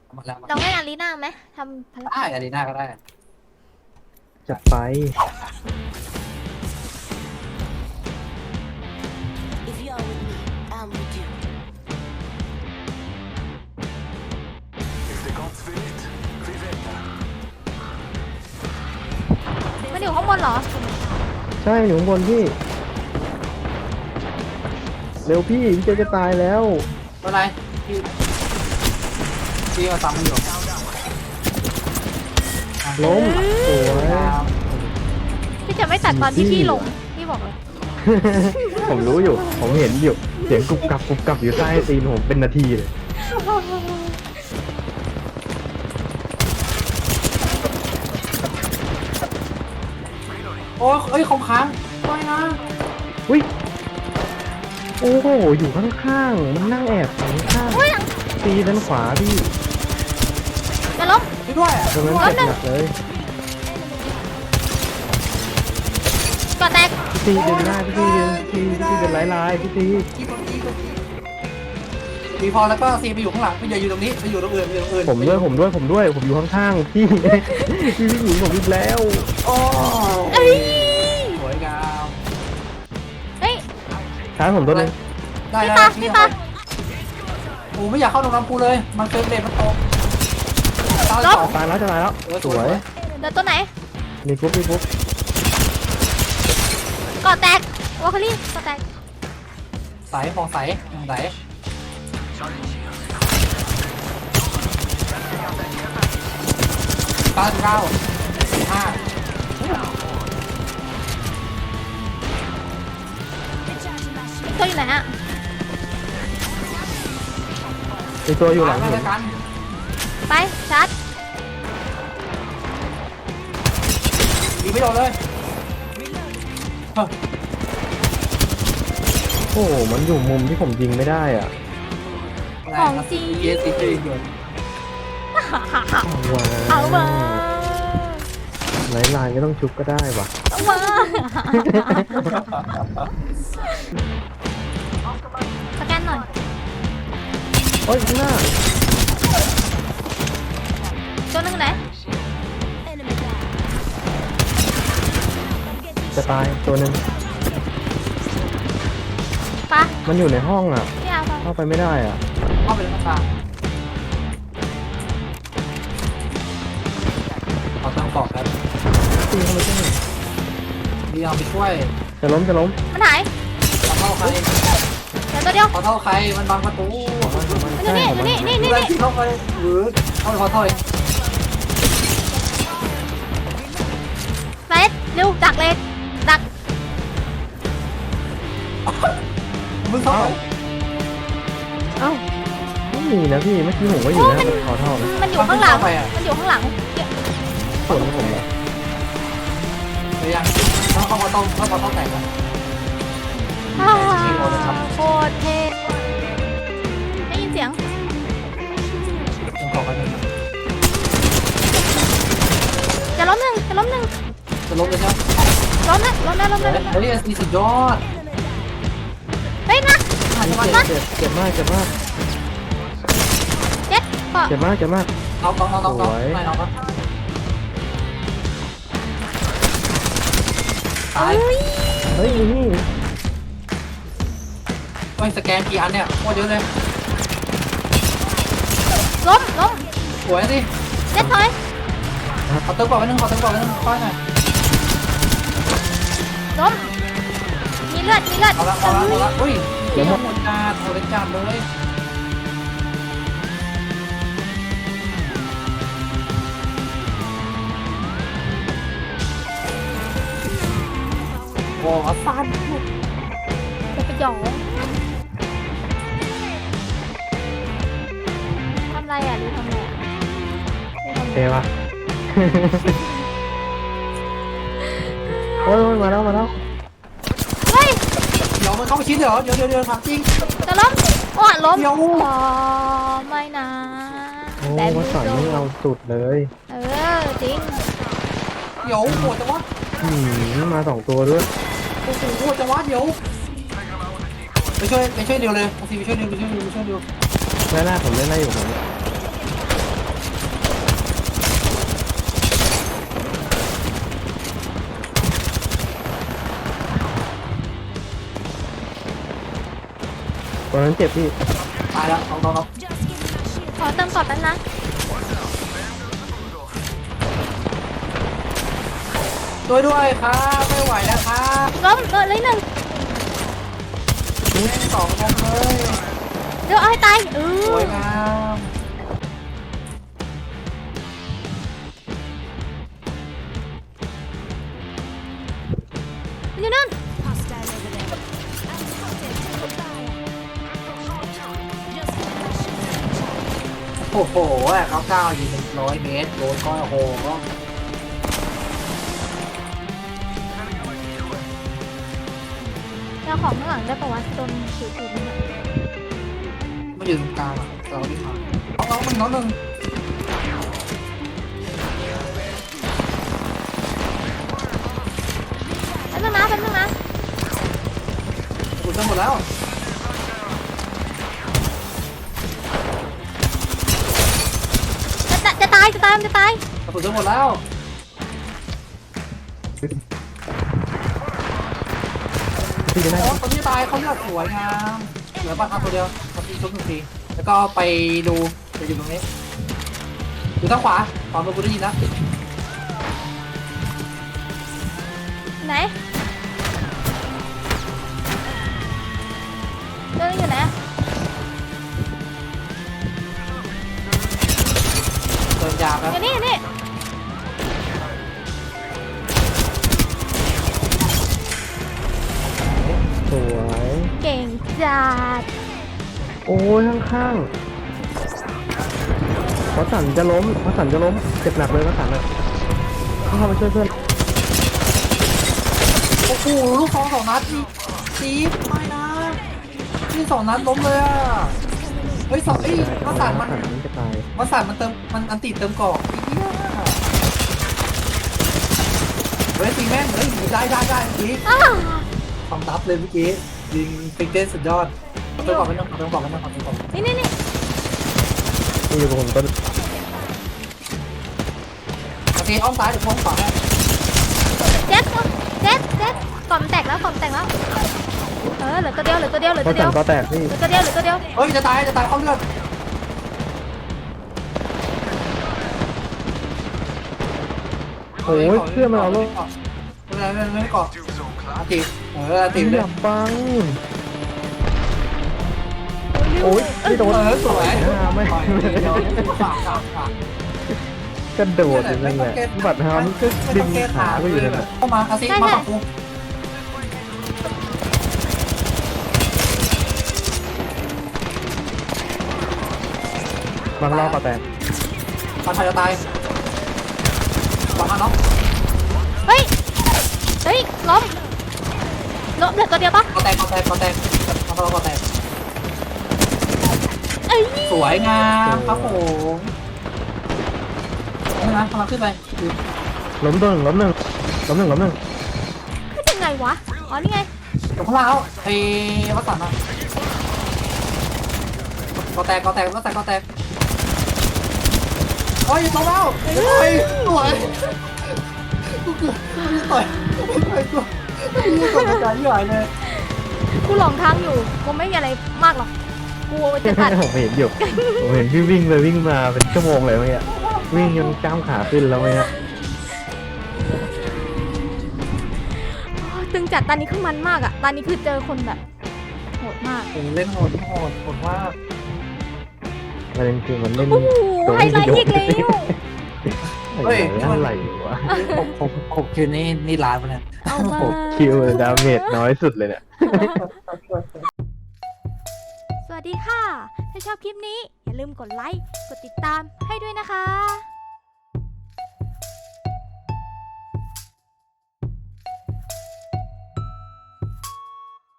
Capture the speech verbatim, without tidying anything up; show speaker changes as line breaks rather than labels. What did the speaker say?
หมดแล้ว
ลองเล่นอารีนาไหมทำภาร
ได้
กิจ
อารีนาก็ได้
จัดไป
If you are with me, I'm with you.
If the gods will it, we will.
มันอยู่ข้างบนเหรอ
ใช่อยู่ข้างบนพี่ เร็วพี่พี่เจจะตายแล้ว
เมื่อไรพี่พี่มาซ้ำมันอยู่
ล้มสวย
พี่จะไม่ตัดตอนที่พี่ลงพี่บอกเลย
ผมรู้อยู่ ผมเห็นอยู่ เสียงกรุบกรับกรุบกรับอยู่ใต้ตีนผมเป็นนาทีเลย
โอ้ยเอ้ยของค้างไม่นะ
อุ้ย โอ้โห อยู่ข้างๆ มันนั่งแอบอยู่ข้าง
อุ้ยหลัง
ๆตีด้านขวาพี่
จะล้ม
ช่วยด้วย
ตรงนั้นเจ็บหนักเลย
ก่อแตก
พี่ตีดึงได้พี่ตีดึงพี่พี่ตีเป็นลายลายๆพี่ตี
ที่ตรงนี้ตรงนี้มีพอแล้วก็ซีไปอยู่ข้างหลังไม่อย่าอยู่ตรงนี้ไปอยู่ตรงอื่นไปอยู่ตรงอื่น
ผมด้วยผมด้วยผมด้วยผมอยู่ข้างๆพี่ พี่พี่หญิงผมอีกแล้ว
โอ้
เอ้ย
สวยงาม
เฮ้ย
ช้าผมตัวนึง
ได้
พี่
ได้
ปา
พี่
พี่
ปา
ปา
โอ้ไม่อยากเข้าตรงน้ำปูเลยมันเฟรมเรทมันตกตาย
ลบ
สอง
ตายแล้วจะตายแล้วสวย
เดี๋ยวตัวไหน
มีกรุ๊ปมีกรุ๊ป
ก่อแตกวอลคลี่ก่อแตก
ใสฟองใสใสเก้าเก้าห้า
ตัวอยู่ไหนอะ
มีตัวอยู่หลัง
มา
ผม
แล้วกัน
ไปชาร์จ
ยิงไม่โดนเลยเฮ้ย
โอ้โหมันอยู่มุมที่ผมยิงไม่ได้อ่ะ
ของจริง
เยสิจริงอยู่
ว้า
เอามา
ลายลายไม่ต้องชุบก็ได้ว่ะ
เอามาสแกนหน่อย
โอ้ยข้างหน้า
ตัวหนึงไหน
Enemy down.
จะตายตัวหนึง
ปะ
มันอยู่ในห้องอ่ะ
พี่เอาปะ
เข้าไปไม่ได้อ่ะ
เข้าไปในหน้าต่างเอาตั้งกรอบครับ
ตีเข้าไปช่วย
ดีเอาไปช่วย
จะล้มจะล้ม
มันหาย
ขอเท่าใคร
เดี๋ยวตัวเดียว
ขอเท่าใครมันบังประตู
มันอยู่นี่อยู่นี่นี่นี่
อะไร
นี่
ที่เข้าไปหรือเข้าไปขอเท่าเอง
เฟสเร็วดักเลยดัก
มึงเข้าไป
เอ้าไม่มีนะพี่เมื่อกี้ผมก็อยู่หน้าขอเท่านะ
มันอยู่ข้างหลังมันอยู่ข้างหลัง
ส่วนของผมเหรอ
หรือยังต้องเข้ามาต้องเข้ามาต้องแต่งนะ
อ่าโคตรเท่ได้ยินเสียง
ต้องขอกันหนึ่ง
จะล้มหนึ่งจะล้มหนึ่ง
จะลบเลยใช่ไหม
ล้มนะล้มนะล้มนะล้มนะ
เฮ้ยมีสุดยอด
เฮ้ยนะ
เจ็บเจ็บเจ็บมากเจ็บมาก
เจ็ดก็
เจ็บมากเจ็บมาก
น้องน้องน้องน้องไม่น้องครับตาย
เฮ้ย
เฮ้ยนี่
ไม่สแกนกี่อันเนี่ยโคตรเยอะเลย
ล้มล้ม
สวยดิ
เจ็ดถอย
ขอเติมก่อนไว้นึงขอเติมก่อนไว้นึงค่อยหน่อย
ล้มมีเลือดมีเลือด
เอาละเอาละเอาละอุ้ยเดี๋ยวหมดจานหมดจานเลยโอ้สั้น
จะไปหยองทำไรอ่ะหรือทำไรอ่ะ
เทวะโอ้ยมาแล้วมาแล้ว
เฮ้ย
เดี๋ยวมันเข้าไปชิ้นเดี๋ยวเดี๋ยวเดี๋ยวเดี๋ยวถามจริง
จะล้มโอ้ล้ม
เดี๋ยว
อ๋อไม่นะ
โอ้วัดสอนนี่เอาสุดเลย
เออจริง
เดี๋ยวโหดจังวะ
อืมมาสองตัวด้วย
โอ้โหโหดจังวะเดี๋ยวไปช่วยไปช่วยเดียวเลยบางทีไปช่วยเดียวไปช่วยเดียวไปช่วยเดียว
แรกๆผมเล่นได้อยู่ผมอนนั้นเจ็บพี่
ตายแล้วเอาเอาเอา
Just give me my shield.
ขอเติมกอดแป๊บนะ
ช่วยด้วยครับไม่ไหวแล้วครับ
ล้มเออเลยหนึ่ง
แม่งสองลงเลย
เดี๋ยวเอาให้ตายเอ
ส
อ
วยงาม
มันอยู่นั่น
Hostile over there. I'm spotted. Taking fire. Just give me my shield.
โอ้โหอะเขาก้าวอยู่หนึ่งร้อยเมตรโดนก็โอ้โห
เอาของข้างหลังได้ปะวะโดนถือถือมันอะ
มันอยู่ตรงกลางอะเราที่มาเอาเอามันน้องหนึ่ง
แป๊บนึงนะแป๊บนึงนะ
กูจะหมดแล้ว
จะจะจะตายจะตายมันจะตาย
กูจะหมดแล้ว
พี่จะได้
โอ้ตอนนี้ตายเขาเลือกสวยงามเหลือปลาคาตัวเดียวเขาทีชุบหนึ่งทีแล้วก็ไปดูไปอยู่ตรงนี้อยู่ทางขวาขวามือกูได้ยินนะ
ไหนเดินอยู่ไหนอะ
เดินยาวแล้ว
อยู่นี่อยู่นี่
สวย
เก่งจัด
โอ้ยข้างๆพอสันจะล้มพอสันจะล้มเจ็บหนักเลยพอสันอ่ะต้องเข้ามาช่วยเพื่อน
โอ้โหลูกสองสองนัดนี่จี๊บไม่นะนี่สองนัดล้มเลยอ่ะเฮ้ยสองเอ้ยวัสันมัน
มันจะตาย
วัสันมันเติมมันอันติเติมกรอกเฮ้ยตีแม่งเฮ้ยได้ได้ได้เมื่อกี้
อ้าว
ทำทับเลยเมื่อกี้ยิงฟิกเด้สุดยอดเอาตัวกรอกไปนั่งเอาตัวกรอกไปนั่งเอาตัวกรอก
นี่นี่นี่
นี่อยู่กับผมต้น
โอเคอ้อมซ้ายเดี๋ยวพ้องขวาให้
เจ็ดเจ็ดเจ็ดกล่อมนแตกแล้วกล่อมนแตกแล้วเออเหลือตัวเดียวเหลือตัวเดียวเหลือ
พอ
ตัวเดี
สั
ย
น
ว
ก็แตกพี่
เหลือตัวเดียวเหลือตัวเดียว
เฮ้ยจะตายจะตายเข้าเลือด
โอ้ยเพื่อนมันเอาลูก
ไม่ไม่ไม่เกาะ
Do zone
อา
class.
ติเอออาติ
ตี
เล
ห
ย
ลับบังโอ้ยไม่โดน
เออสวย
หน้าไม่
ฝากฝากฝาก
กระโดดอย่างนั้นแหละบัตรฮามันก็ดึงขาไปอยู่นั่นแหละ
เข้ามาอาซิมาฝั่งกู
บางรอบก็แตก
ปันไทยจะตายปันมาเนาะ
เฮ้ยเฮ้ยล้มล้มเหลือตัวเดียวปะ
กอแตกกอแตกกอแตกทำเรากอแตก
เอ้ย
สวยงามครับผมนี่นะกำลังขึ้นไป
ล้มตัวหนึ่งล้มหนึ่งล้มหนึ่งล้มหนึ่ง
ขึ้นยังไงวะอ๋อนี่ไง
ตรงข้างล่างแล้วไอ้วัดสันอะกอแตกกอแตกวัดสันกอแตกโอ้ยตรงแล้วไอ้สวยกูเกือบต่อยต่อยตัวนี่ตัวกระจายที่หายเลย
กูหลงทางอยู่กูไม่มีอะไรมากหรอกกูจะตัด
ผมเห็นอยู่ผมเห็นพี่วิ่งเลยวิ่งมาเป็นชั่วโมงเลยเมื่อกี้วิ่งจนกล้ามขาขึ้นแล้วเมื่อกี้
ตึงจัดตอนนี้คือมันมากอะตอนนี้คือเจอคนแบบโหดมาก
ผมเล่นโหดโหดโหดมาก
ประเด็นคือมันเล่น
โอ้โหไฮไลท์อีกแล้ว
เฮ้ยอะไรวะ
หกหกหกคิวนี่นี่ล้านปะเนี่ย
เอามา
หกคิวดาเมจน้อยสุดเลยเนี่ย
สวัสดีค่ะ ถ้าชอบคลิปนี้อย่าลืมกดไลค์ กดติดตามให้ด้วยนะคะ